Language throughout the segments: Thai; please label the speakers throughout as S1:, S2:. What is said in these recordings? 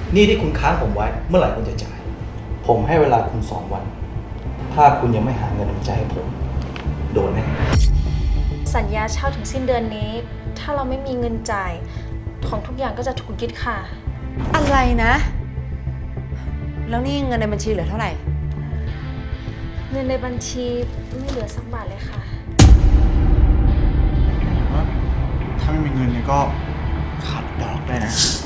S1: นี่ที่คุณค้างผมไว้เมื่อไหร่คุณจะจ่าย ผมให้เวลาคุณ2 วัน ถ้าคุณยังไม่หาเงินน้ำใจให้ผม โดนแน่
S2: สัญญาเช่าถึงสิ้นเดือนนี้ ถ้าเราไม่มีเงินจ่ายของทุกอย่างก็จะถูกยึดค่ะ
S3: อะไรนะ แล้วนี่เงินในบัญชีเหลือเท่าไหร่
S2: เงินในบัญชีไม่เหลือสักบาทเลยค่ะ
S4: ถ้าไม่มีเงินเนี่ยก็ขาดดอกได้นะ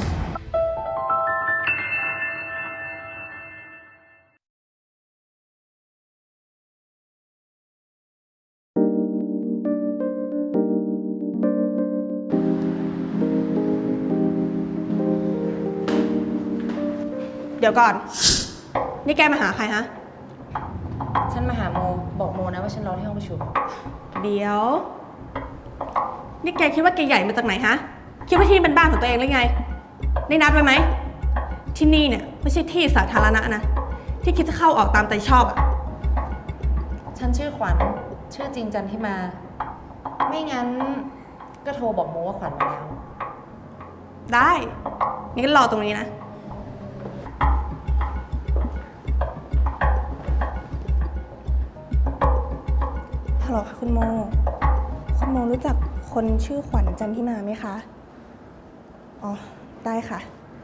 S5: เดี๋ยวก่อน นี่แกมาหาใครฮะ
S3: ฉันมาหาโมบอกโมนะว่าฉันรอที่ห้องประชุม
S5: เดี๋ยว นี่แกคิดว่าแกใหญ่มาจากไหนฮะ คิดว่าที่นี่เป็นบ้านของตัวเองหรือไง ได้นัดไว้ไหม ที่นี่เนี่ยไม่ใช่ที่สาธารณะนะ ที่คิดจะเข้าออกตามใจชอบอะ
S3: ฉันชื่อขวัญ ชื่อจริงจันทิมา ไม่งั้นก็โทรบอกโมว่าขวัญมาแล้ว
S5: ได้งั้นก็รอตรงนี้นะ ฮัลโหลค่ะคุณโม คุณโมรู้จักคนชื่อขวัญจันทิมาไหมคะ อ๋อ ได้ค่ะ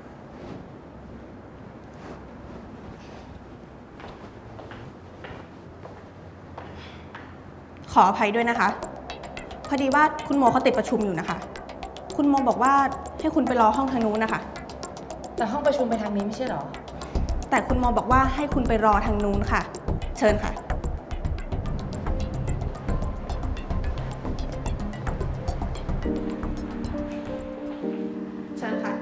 S5: ขออภัยด้วยนะคะ พอดีว่าคุณโมเขาติดประชุมอยู่นะคะ คุณโมบอกว่าให้คุณไปรอห้องทางนู้นนะคะ
S3: แต่ห้องประชุมไปทางนี้ไม่ใช่เหรอ
S5: แต่คุณโมบอกว่าให้คุณไปรอทางนู้นค่ะ เชิญค่ะ เชิญค่ะ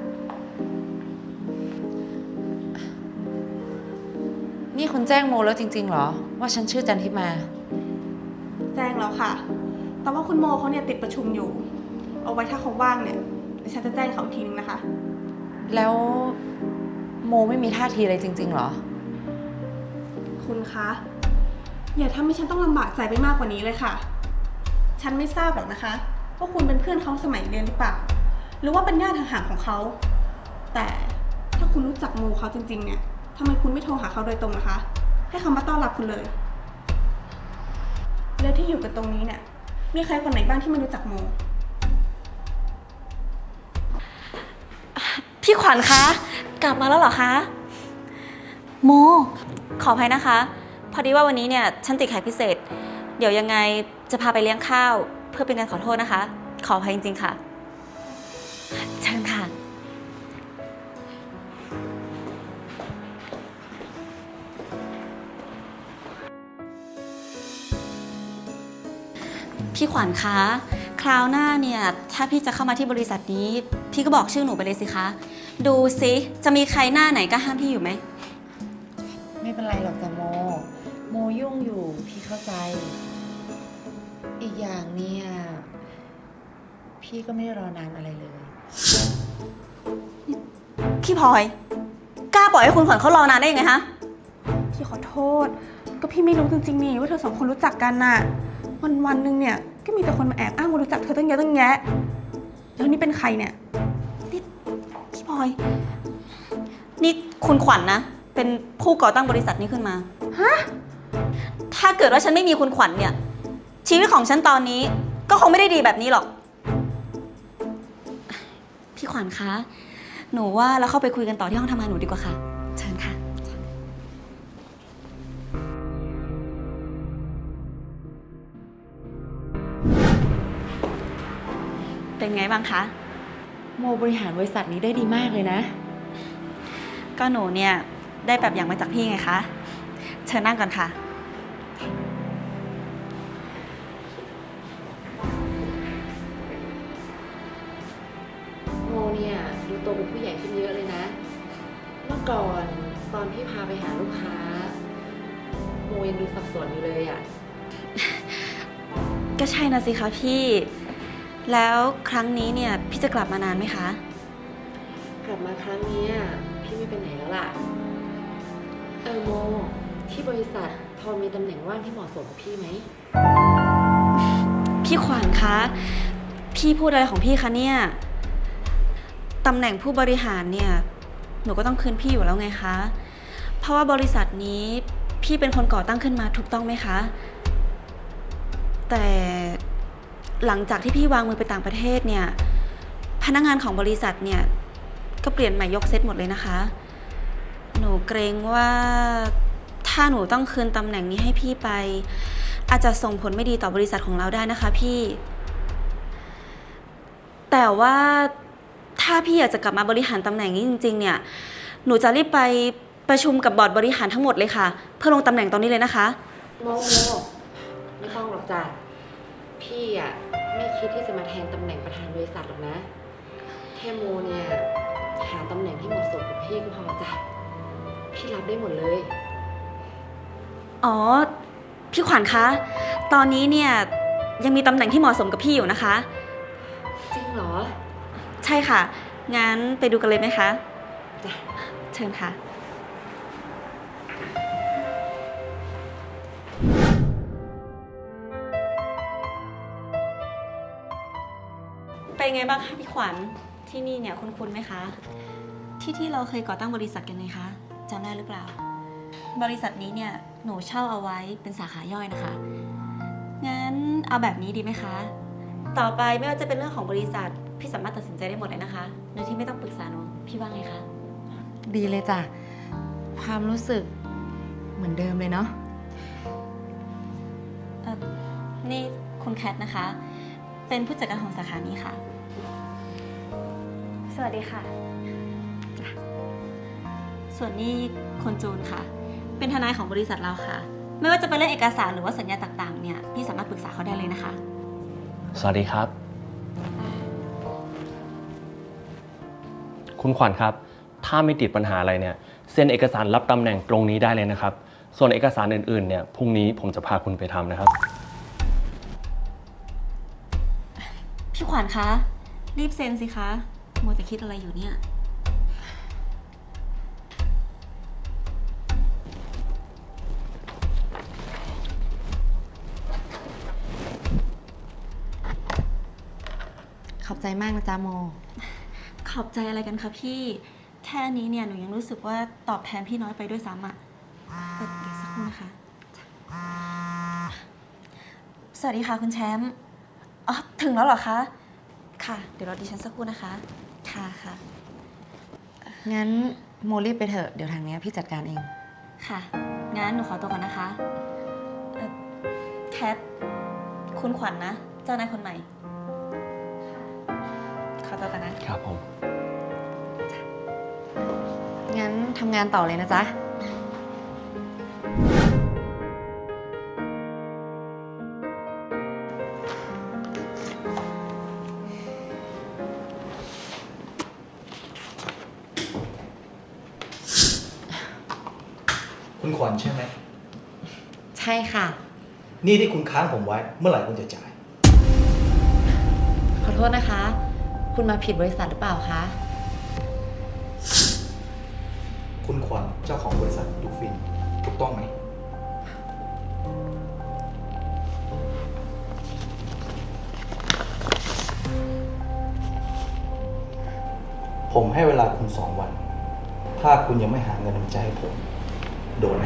S3: นี่คุณแจ้งโมแล้วจริงๆเหรอ ว่าฉันชื่อจันทิมา
S5: แจ้งแล้วค่ะ แต่ว่าคุณโมเขาเนี่ยติดประชุมอยู่ เอาไว้ถ้าเขาว่างเนี่ยเดี๋ยวฉันจะแจ้งเขาอีกทีนึงนะคะ
S3: แล้วโมไม่มีท่าทีอะไรจริงๆเหรอ
S5: คุณคะ อย่าทำให้ฉันต้องลำบากใจไปมากกว่านี้เลยค่ะ ฉันไม่ทราบหรอกนะคะว่าคุณเป็นเพื่อนเขาสมัยเรียนหรือเปล่า หรือว่าเป็นญาติห่างๆของเขา แต่ถ้าคุณรู้จักโมเขาจริงๆเนี่ยทำไมคุณไม่โทรหาเขาโดยตรงนะคะ ให้เขามาต้อนรับคุณเลย แล้วที่อยู่กันตรงนี้เนี่ยมีใครคนไหนบ้างที่ไม่รู้จักโม
S6: พี่ขวัญคะ กลับมาแล้วเหรอคะ โม ขออภัยนะคะ พอดีว่าวันนี้เนี่ยฉันติดแขกพิเศษ เดี๋ยวยังไงจะพาไปเลี้ยงข้าว เพื่อเป็นการขอโทษนะคะ ขออภัยจริงๆค่ะ เชิญค่ะ พี่ขวัญคะ คราวหน้าเนี่ยถ้าพี่จะเข้ามาที่บริษัทนี้ พี่ก็บอกชื่อหนูไปเลยสิคะ ดูสิจะมีใครหน้าไหนก็ห้ามพี่อยู่ไหม
S3: ไม่เป็นไรหรอกจ้ะโม โมยุ่งอยู่พี่เข้าใจ อีกอย่างเนี่ยพี่ก็ไม่ได้รอนานอะไรเลย
S6: พี่พลอย กล้าปล่อยให้คุณขวัญเขารอนานได้ยังไงฮะ
S5: พี่ขอโทษ ก็พี่ไม่รู้จริงๆนี่ว่าเธอสองคนรู้จักกันน่ะ วันๆหนึ่งเนี่ยก็มีแต่คนมาแอบอ้างว่ารู้จักเธอตั้งเยอะตั้งแยะ แล้วนี่เป็นใครเนี่ย
S6: นี่พี่พลอย นี่คุณขวัญนะ เป็นผู้ก่อตั้งบริษัทนี้ขึ้นมา
S5: ฮะ
S6: ถ้าเกิดว่าฉันไม่มีคุณขวัญเนี่ย ชีวิตของฉันตอนนี้ก็คงไม่ได้ดีแบบนี้หรอก พี่ขวัญคะ หนูว่าเราเข้าไปคุยกันต่อที่ห้องทำงานหนูดีกว่าค่ะ เชิญค่ะ เป็นไงบ้างคะ
S3: โมบริหารบริษัทนี้ได้ดีมากเลยนะ
S6: ก็หนูเนี่ยได้แบบอย่างมาจากพี่ไงคะ เชิญนั่งก่อนค่ะ
S3: โมเนี่ยดูโตเป็นผู้ใหญ่ขึ้นเยอะเลยนะ เมื่อก่อนตอนพี่พาไปหาลูกค้า โมยังดูสับสนอยู่เลยอะ
S6: ก็ใช่นะสิคะพี่ แล้วครั้งนี้เนี่ยพี่จะกลับมานานไหมคะ
S3: กลับมาครั้งเนี้ยพี่ไม่ไปไหนแล้วล่ะ โม ที่บริษัทพอมีตำแหน่งว่างที่เหมาะสมกับพี่ไหม
S6: พี่ขวัญคะ พี่พูดอะไรของพี่คะเนี่ย ตำแหน่งผู้บริหารเนี่ยหนูก็ต้องคืนพี่อยู่แล้วไงคะ เพราะว่าบริษัทนี้พี่เป็นคนก่อตั้งขึ้นมาถูกต้องไหมคะ แต่หลังจากที่พี่วางมือไปต่างประเทศเนี่ยพนักงานของบริษัทเนี่ยก็เปลี่ยนใหม่ยกเซตหมดเลยนะคะ หนูเกรงว่าถ้าหนูต้องคืนตำแหน่งนี้ให้พี่ไปอาจจะส่งผลไม่ดีต่อบริษัทของเราได้นะคะพี่แต่ว่าถ้าพี่อยากจะกลับมาบริหารตำแหน่งนี้จริงๆเนี่ยหนูจะรีบไปประชุมกับบอร์ดบริหารทั้งหมดเลยค่ะเพื่อลงตำแหน่งตอนนี้เลยนะคะ
S3: โมไม่ต้องหรอกจ้ะพี่อ่ะไม่คิดที่จะมาแทนตำแหน่งประธานบริษัทหรอกนะแค่โมเนี่ยหาตำแหน่งที่เหมาะสมกับพี่ก็พอจ้ะพี่รับได้หมดเลย
S6: อ๋อพี่ขวัญคะตอนนี้เนี่ยยังมีตำแหน่งที่เหมาะสมกับพี่อยู่นะคะ
S3: จริงเหรอ
S6: ใช่ค่ะงั้นไปดูกันเลยไหมคะ
S3: จ้ะ
S6: เชิญค่ะเป็นไงบ้างคะพี่ขวัญที่นี่เนี่ยคุ้นๆไหมคะที่เราเคยก่อตั้งบริษัทกันไงคะจำได้หรือเปล่าบริษัทนี้เนี่ยหนูเช่าเอาไว้เป็นสาขาย่อยนะคะงั้นเอาแบบนี้ดีไหมคะต่อไปไม่ว่าจะเป็นเรื่องของบริษัทพี่สามารถตัดสินใจได้หมดเลยนะคะโดยที่ไม่ต้องปรึกษาหนูพี่ว่าไงคะ
S3: ดีเลยจ้ะความรู้สึกเหมือนเดิมเลยเนาะ
S6: นี่คุณแคทนะคะเป็นผู้จัดการของสาขานี้ค่ะสวัสดีค่ะส่วนนี้คนจูนค่ะเป็นทนายของบริษัทเราค่ะไม่ว่าจะเป็นเรื่องเอกสารหรือว่าสัญญาต่างๆเนี่ยพี่สามารถปรึกษาเขาได้เลยนะคะ
S7: สวัสดีครับ คุณขวัญครับถ้าไม่ติดปัญหาอะไรเนี่ยเซ็นเอกสารรับตำแหน่งตรงนี้ได้เลยนะครับส่วนเอกสารอื่นๆเนี่ยพรุ่งนี้ผมจะพาคุณไปทำนะครับ
S6: พี่ขวัญคะรีบเซ็นสิคะมัวแต่คิดอะไรอยู่เนี่ย
S3: ขอบใจมากนะจ๊ะโม
S6: ขอบใจอะไรกันคะพี่แค่นี้เนี่ยหนูยังรู้สึกว่าตอบแทนพี่น้อยไปด้วยซ้ำอ่ะเดี๋ยวสักครู่นะคะสวัสดีค่ะคุณแชมป์อ๋อถึงแล้วเหรอคะค่ะเดี๋ยวรอดิฉันสักครู่นะคะค่ะค่ะ
S3: งั้นโมรีบไปเถอะเดี๋ยวทางนี้พี่จัดการเอง
S6: ค่ะงั้นหนูขอตัวก่อนนะคะแคทคุณขวัญนะเจ้านายคนใหม่ขอตัวกันนะครับ
S7: ผม
S3: งั้นทำงานต่อเลยนะจ๊ะ
S1: คุณขวัญใช่ไหม
S3: ใช่ค่ะ
S1: นี่ที่คุณค้างผมไว้เมื่อไหร่คุณจะจ่าย
S3: ขอโทษนะคะ คุณมาผิดบริษัทหรือเปล่าคะ
S1: คุณขวัญเจ้าของบริษัทดูฟินถูกต้องไหม ผมให้เวลาคุณ 2 วัน ถ้าคุณยังไม่หาเงินน้ำใจให้ผม โดนไหม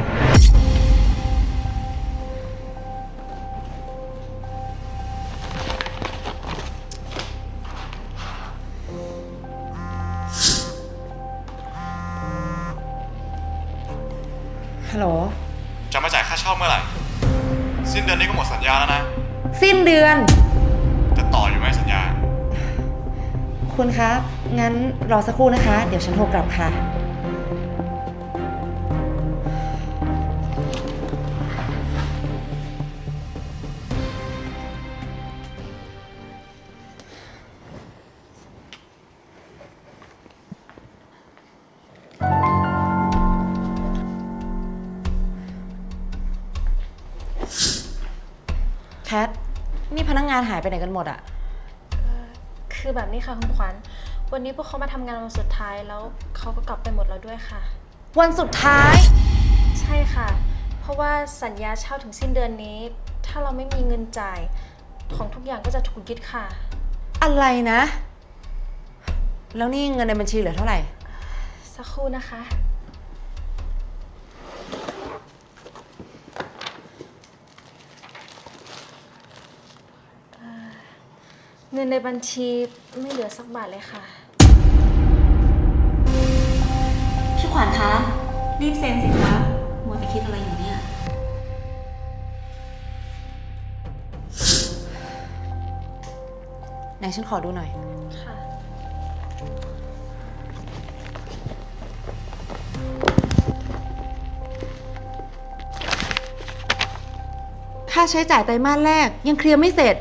S3: ฮัลโหล
S4: จะมาจ่ายค่าเช่าเมื่อไหร่ สิ้นเดือนนี้ก็หมดสัญญาแล้วนะ
S3: สิ้นเดือน
S4: จะต่ออยู่ไหมสัญญา
S3: คุณคะ งั้นรอสักครู่นะคะ เดี๋ยวฉันโทรกลับค่ะ แคท นี่พนักงานหายไปไหนกันหมดอะ
S2: คือแบบนี้ค่ะคุณขวัญวันนี้พวกเขามาทำงานวันสุดท้ายแล้วเขาก็กลับไปหมดแล้วด้วยค่ะ
S3: วันสุดท้าย
S2: ใช่ค่ะ เพราะว่าสัญญาเช่าถึงสิ้นเดือนนี้ ถ้าเราไม่มีเงินจ่ายของทุกอย่างก็จะถูกยึดค่ะ
S3: อะไรนะ แล้วนี่เงินในบัญชีเหลือเท่าไหร่
S2: สักคครู่นะคะ เงินในบัญชีไม่เหลือสักบาทเลยค่ะ
S6: พี่ขวัญคะ รีบเซ็นสิคะมัวแต่คิดอะไรอยู่เนี่ย
S3: ไหนฉันขอดูหน่อย
S2: ค่ะ
S3: ค่าใช้จ่ายไตรมาสแรกยังเคลียร์ไม่เสร็จ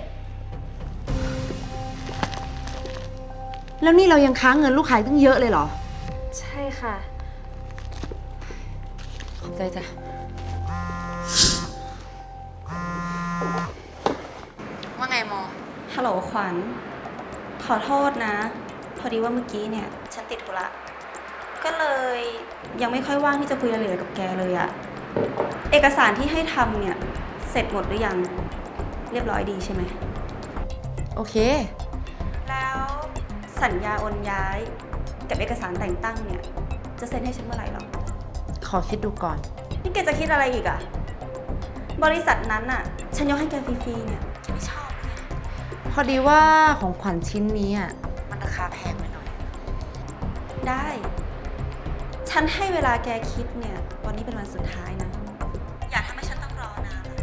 S3: แล้วนี่เรายังค้างเงินลูกค้าตั้งเยอะเลยเหรอ
S2: ใช่ค่ะ
S3: ขอบใจจ้ะ ว่าไงโม
S6: ฮัลโหลขวัญ ขอโทษนะ พอดีว่าเมื่อกี้เนี่ย ฉันติดธุระ ก็เลยยังไม่ค่อยว่างที่จะคุยรายละเอียดกับแกเลยอะเอกสารที่ให้ทำเนี่ย เสร็จหมดหรือยัง เรียบร้อยดีใช่ไหม
S3: โอเค
S6: แล้วสัญญาโอนย้ายกับเอกสารแต่งตั้งเนี่ย จะเซ็นให้ฉันเมื่อไหร่หรอ
S3: ขอคิดดูก่อน
S6: นี่แกจะคิดอะไรอีกอะบริษัทนั้นอะฉันยกให้แกฟรีๆเนี่ยแกไม่ชอบเลย
S3: พอดีว่าของขวัญชิ้นนี้อ่ะมันราคาแพงไปหน่อย
S6: ได้ ฉันให้เวลาแกคิดเนี่ย วันนี้เป็นวันสุดท้ายนะ อย่าทำให้ฉันต้องรอนานเลย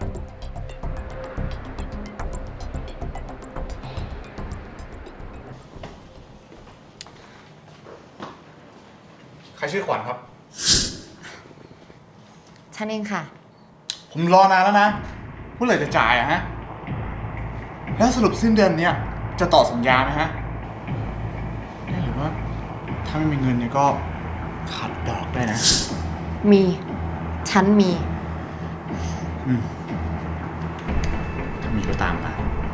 S4: ใครชื่อขวัญครับ
S3: ฉันเองค่ะ
S4: ผมรอนานแล้วนะเมื่อไหร่จะจ่ายอะฮะ แล้วสรุปสิ้นเดือนเนี้ยจะต่อสัญญาไหมฮะหรือว่าถ้าไม่มีเงินเนี่ยก็ขัดดอกได้นะ
S3: มี ฉันมี
S4: ถ้ามีก็ตามมา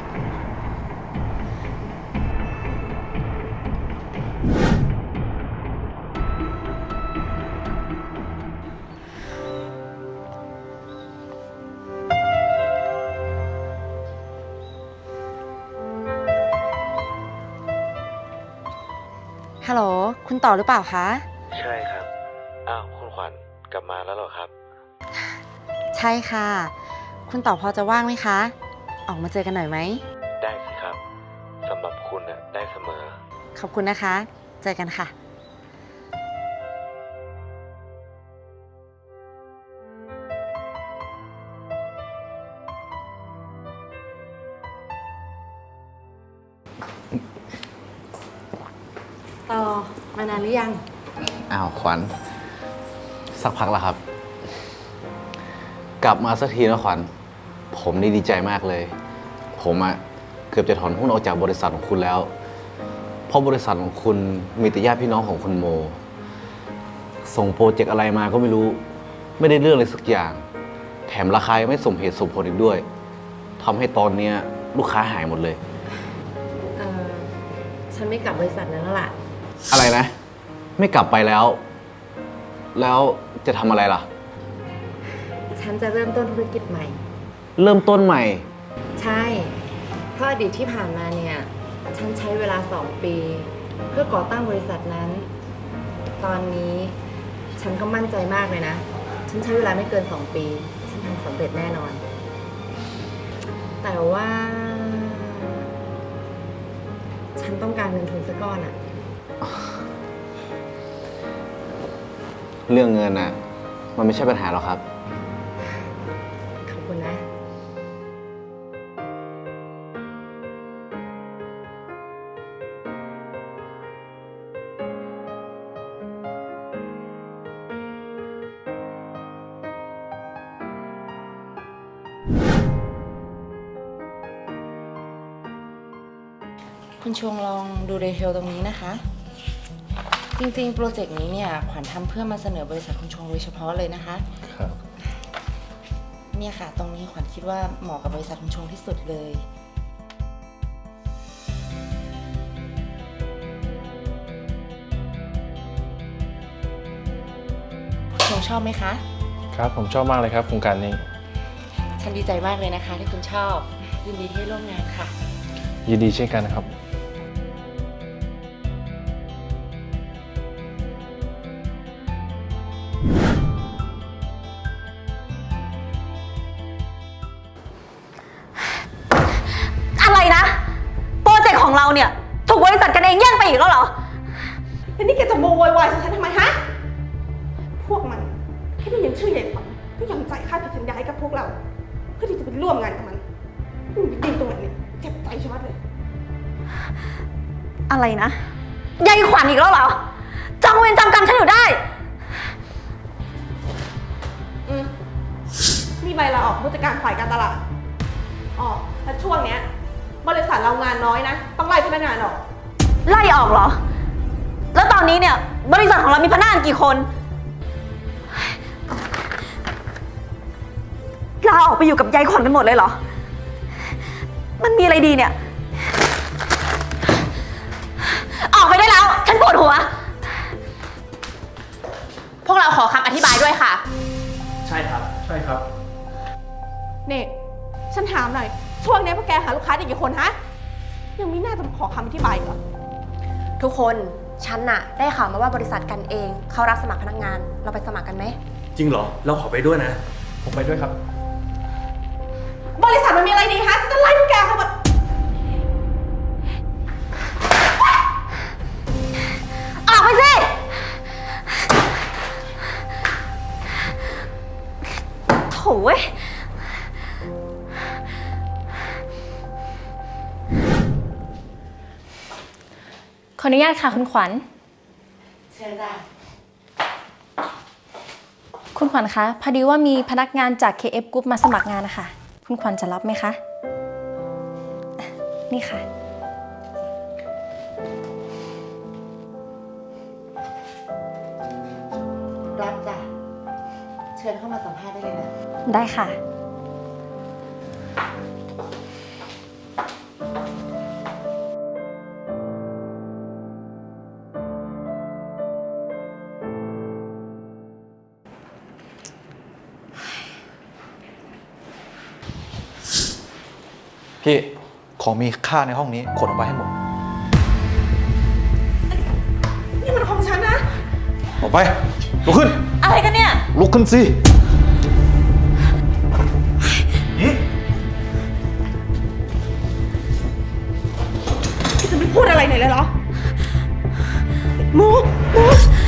S3: ฮัลโหล คุณต่อหรือเปล่าคะ
S8: ใช่ครับ อ้าว คุณขวัญกลับมาแล้วเหรอครับ
S3: ใช่ค่ะ คุณต่อพอจะว่างไหมคะ ออกมาเจอกันหน่อยไหม
S8: ได้สิครับ สำหรับคุณน่ะได้เสมอ
S3: ขอบคุณนะคะ เจอกันค่ะ ต่อ มานานหรือยัง
S9: อ้าวขวัญสักพักแล้วครับ กลับมาสักทีนะขวัญผมนี่ดีใจมากเลย ผมอะเกือบจะถอนหุ้นออกจากบริษัทของคุณแล้ว เพราะบริษัทของคุณมีแต่ญาติพี่น้องของคุณโม ส่งโปรเจกต์อะไรมาก็ไม่รู้ ไม่ได้เรื่องเลยสักอย่าง แถมราคายังไม่สมเหตุสมผลอีกด้วยทำให้ตอนเนี้ยลูกค้าหายหมดเลย
S3: ฉันไม่กลับบริษัทนั้นแล้วล่ะ
S9: อะไรนะ ไม่กลับไปแล้ว แล้วจะทำอะไรล่ะ
S3: ฉันจะเริ่มต้นธุรกิจใหม่
S9: เริ่มต้นใหม่
S3: ใช่ เพราะอดีตที่ผ่านมาเนี่ย ฉันใช้เวลา 2 ปี เพื่อก่อตั้งบริษัทนั้น ตอนนี้ฉันก็มั่นใจมากเลยนะ ฉันใช้เวลาไม่เกิน 2 ปี ฉันทำสำเร็จแน่นอน แต่ว่า ฉันต้องการเงินทุนสักก้อนอะ
S9: เรื่องเงินน่ะ มันไม่ใช่ปัญหาหรอกครับ
S3: ขอบคุณนะ คุณชวงลองดูดีเทลตรงนี้นะคะ จริงๆ โปรเจกต์นี้เนี่ยขวัญทำเพื่อมาเสนอบริษัทคุณชวงโดยเฉพาะเลยนะคะ
S7: ครับ
S3: เนี่ยค่ะ ตรงนี้ขวัญคิดว่าเหมาะกับบริษัทคุณชวงที่สุดเลย คุณชวงชอบไหมคะ
S7: ครับ ผมชอบมากเลยครับโครงการนี้
S3: ฉันดีใจมากเลยนะคะที่คุณชอบ ยินดีที่ร่วมงานค่ะ
S7: ยินดีเช่นกันนะครับ
S6: เนี่ยถูกบริษัทกันเองแย่งไปอีกแล้วเหรอ
S5: แล้วนี่แกจะโวยวายใส่ฉันทำไมฮะ พวกมันแค่ได้ยินชื่อใหญ่ขวัญก็ยอมจ่ายค่าผิดสัญญาให้กับพวกเรา เพื่อที่จะไปร่วมงานกับมันมันดีตรงไหนเนี่ยเจ็บใจชะมัดเลย
S6: อะไรนะยายขวัญอีกแล้วเหรอจองเวรจำกรรมฉันอยู่ได้
S5: นี่ใบลาออกผู้จัดการฝ่ายการตลาดอ๋อและช่วงเนี้ยบริษัทเรางานน้อยนะ ต้องไล่พนักงานออก
S6: ไล่ออกเหรอ แล้วตอนนี้เนี่ยบริษัทของเรามีพนักงานกี่คนลาออกไปอยู่กับยายขวัญกันหมดเลยเหรอ มันมีอะไรดีเนี่ย ออกไปได้แล้ว ฉันปวดหัว
S3: พวกเราขอคำอธิบายด้วยค่ะ
S7: ใช่ครับ ใช่ครับ
S5: เนี่ยฉันถามหน่อย ช่วงนี้พวกแกหาลูกค้าได้กี่คนฮะ ยังมีหน้าจะมาขอคำอธิบายอีกเหรอ
S3: ทุกคนฉันน่ะได้ข่าวมาว่าบริษัทกันเองเขารับสมัครพนักงาน เราไปสมัครกันไหม
S7: จริงเหรอ เราขอไปด้วยนะ ผมไปด้วยครับ
S5: บริษัทมันมีอะไรดีฮะจะไล่พวกแกเขาหมด
S6: ออกไปสิ โถ่เว้ย
S2: ขออนุญาตค่ะคุณขวัญ
S3: เชิญจ้ะ
S2: คุณขวัญคะ พอดีว่ามีพนักงานจาก KF Group มาสมัครงานนะคะ คุณขวัญจะรับไหมคะ นี่ค่ะ
S3: รับจ้ะ เชิญเข้ามาสัมภาษณ์ได้เลยนะ
S2: ได้ค่ะ
S1: พี่ ของมีค่าในห้องนี้ขนออกไปให้หมด
S5: นี่มันของฉันนะ
S1: ออกไป ลุกขึ้น
S6: อะไรกันเนี่ย
S1: ลุกขึ้นสินี่
S5: พี่จะไม่พูดอะไรหน่อยเลยเหรอหมู